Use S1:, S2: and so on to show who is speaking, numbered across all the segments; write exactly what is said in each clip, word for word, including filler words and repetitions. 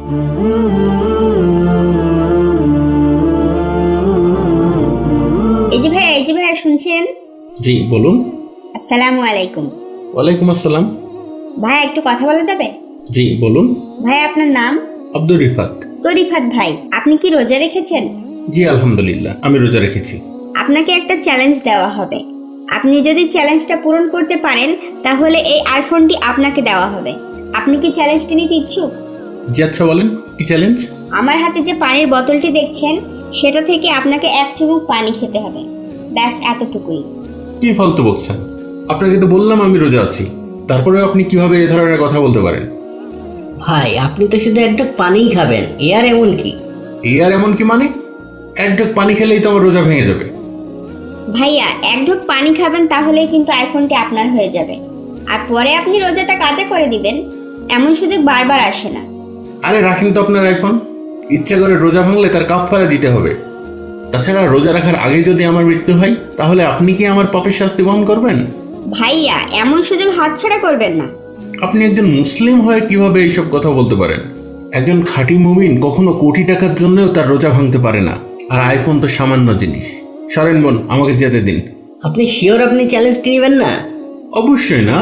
S1: এই যে ভাইয়া, এই যে ভাইয়া শুনছেন?
S2: জি বলুন।
S1: আসসালামু আলাইকুম।
S2: ওয়ালাইকুম আসসালাম।
S1: ভাইয়া একটু কথা বলা যাবে?
S2: জি বলুন।
S1: ভাই আপনার নাম?
S2: আব্দুর রিফাত।
S1: তো রিফাত ভাই, আপনি কি রোজা রেখেছেন?
S2: জি আলহামদুলিল্লাহ, আমি রোজা রেখেছি।
S1: আপনাকে একটা চ্যালেঞ্জ দেওয়া হবে। আপনি যদি চ্যালেঞ্জটা পূরণ করতে পারেন তাহলে এই আইফোনটি আপনাকে দেওয়া হবে। আপনি কি চ্যালেঞ্জটি নিতে ইচ্ছুক?
S2: জি আচ্ছা বলেন, কি চ্যালেঞ্জ?
S1: আমার হাতে যে পানির বোতলটি দেখছেন সেটা থেকে আপনাকে এক চুমুক পানি খেতে হবে, ব্যাস এতটুকুই।
S2: কি ফালতু বকছেন? আপনাকে তো বললাম আমি রোজা আছি, তারপরে আপনি কিভাবে এই ধরনের কথা বলতে পারেন?
S3: ভাই আপনি তো শুধু এক ঢোক পানিই খাবেন, এ আর এমন কি?
S2: এই আর এমন কি মানে? এক ঢোক পানি খেলেই তো আমার রোজা ভেঙে যাবে।
S1: ভাইয়া এক ঢোক পানি খাবেন তাহলেই কিন্তু আইফোনটি আপনার হয়ে যাবে, আর পরে আপনি রোজাটা কাজা করে দিবেন। এমন সুযোগ বারবার আসে না।
S2: আরে রাখেন তো আপনার আইফোন। ইচ্ছা করে রোজা ভাঙলে তার কাফারা দিতে হবে। তাছাড়া রোজা রাখার আগে যদি আমার মৃত্যু হয় তাহলে আপনি কি আমার পাপের শাস্তি বহন করবেন?
S1: ভাইয়া এমন সুযোগ হাতছাড়া করবেন না।
S2: আপনি একজন মুসলিম হয়ে কিভাবে এইসব কথা বলতে পারেন? একজন খাঁটি মুমিন কখনো কোটি টাকার জন্যও তার রোজা ভাঙতে পারে না, আর আইফোন তো সামান্য জিনিস। সরেন বোন, আমাকে যেতে দিন।
S3: আপনি শিওর আপনি চ্যালেঞ্জটি নেবেন না?
S2: অবশ্যই না।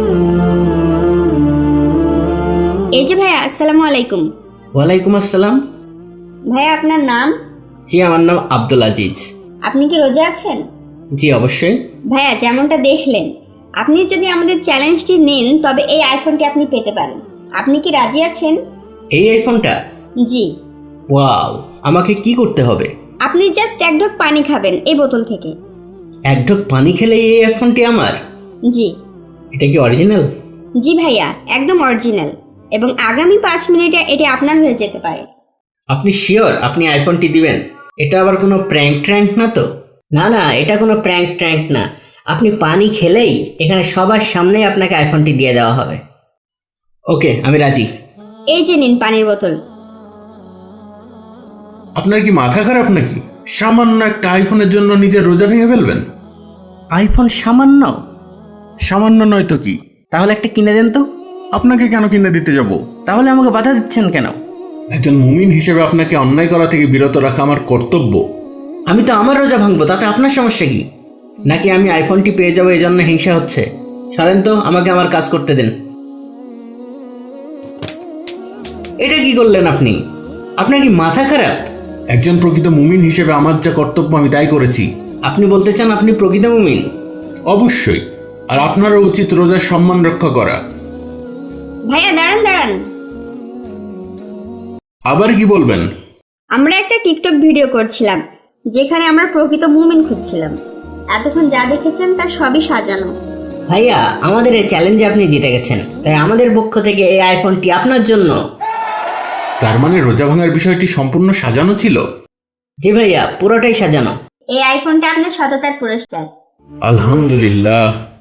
S1: এই যে ভাইয়া, আসসালামু আলাইকুম।
S3: ওয়ালাইকুম আসসালাম।
S1: ভাইয়া আপনার নাম?
S3: জি আমার নাম আব্দুল আজিজ।
S1: আপনি কি রোজা আছেন?
S3: জি অবশ্যই।
S1: ভাইয়া যেমনটা দেখলেন, আপনি যদি আমাদের চ্যালেঞ্জটি নেন তবে এই আইফোনটি আপনি পেতে পারেন। আপনি কি রাজি আছেন?
S3: এই আইফোনটা?
S1: জি।
S3: ওয়াও, আমাকে কি করতে হবে?
S1: আপনি জাস্ট এক ঢোক পানি খাবেন এই বোতল থেকে।
S3: এক ঢোক পানি খেলে এই আইফোনটি আমার?
S1: জি।
S3: এটা কি অরিজিনাল?
S1: জি ভাইয়া, একদম অরিজিনাল, এবং আগামী পাঁচ মিনিটে এটি আপনার হয়ে যেতে পারে।
S3: আপনি শিওর আপনি আইফোনটি দিবেন? এটা আবার কোনো প্র্যাঙ্ক ট্র্যাঙ্ক না তো? না না, এটা কোনো প্র্যাঙ্ক ট্র্যাঙ্ক না। আপনি পানি খেলেই এখানে সবার সামনেই আপনাকে আইফোনটি দিয়ে দেওয়া হবে। ওকে, আমি রাজি।
S1: এই যে নিন পানির বোতল।
S2: আপনার কি মাথা খারাপ নাকি? সামান্য একটা আইফোনের জন্য নিজের রোজা ভেঙে ফেলবেন?
S3: আইফোন সামান্য?
S2: সামান্য নয় তো কি?
S3: তাহলে একটা কিনে দেন তো।
S2: আপনাকে কেন কিনে দিতে যাব?
S3: তাহলে আমাকে বাধা দিচ্ছেন কেন?
S2: একজন মুমিন হিসেবে আপনাকে অন্যায় করা থেকে বিরত রাখা আমার কর্তব্য।
S3: আমি তো আমার রোজা ভাঙবো, তাতে আপনার সমস্যা কি? নাকি আমি আইফোনটি পেয়ে যাবো এই জন্য হিংসা হচ্ছে? সরেন তো, আমাকে আমার কাজ করতে দেন। এটা কি করলেন আপনি? আপনার কি মাথা খারাপ?
S2: একজন প্রকৃত মুমিন হিসেবে আমার যা কর্তব্য আমি তাই করেছি।
S3: আপনি বলতে চান আপনি প্রকৃত মুমিন?
S2: অবশ্যই। আর আপনারও উচিত রোজার সম্মান রক্ষা করা।
S1: ভাইয়া দাঁড়ান দাঁড়ান।
S2: আবার কি বলবেন?
S1: আমরা একটা টিকটক ভিডিও করছিলাম যেখানে আমরা প্রকৃত মুমিন খুঁজছিলাম। এতক্ষণ যা দেখেছেন তার সবই সাজানো।
S3: ভাইয়া আমাদের এই চ্যালেঞ্জে আপনি জিতে গেছেন, তাই আমাদের পক্ষ থেকে এই আইফোনটি আপনার জন্য।
S2: তার মানে রোজা ভাঙার বিষয়টি সম্পূর্ণ সাজানো ছিল?
S3: জি ভাইয়া, পুরোটাই সাজানো।
S1: এই আইফোনটা আপনার সততার পুরস্কার।
S2: আলহামদুলিল্লাহ।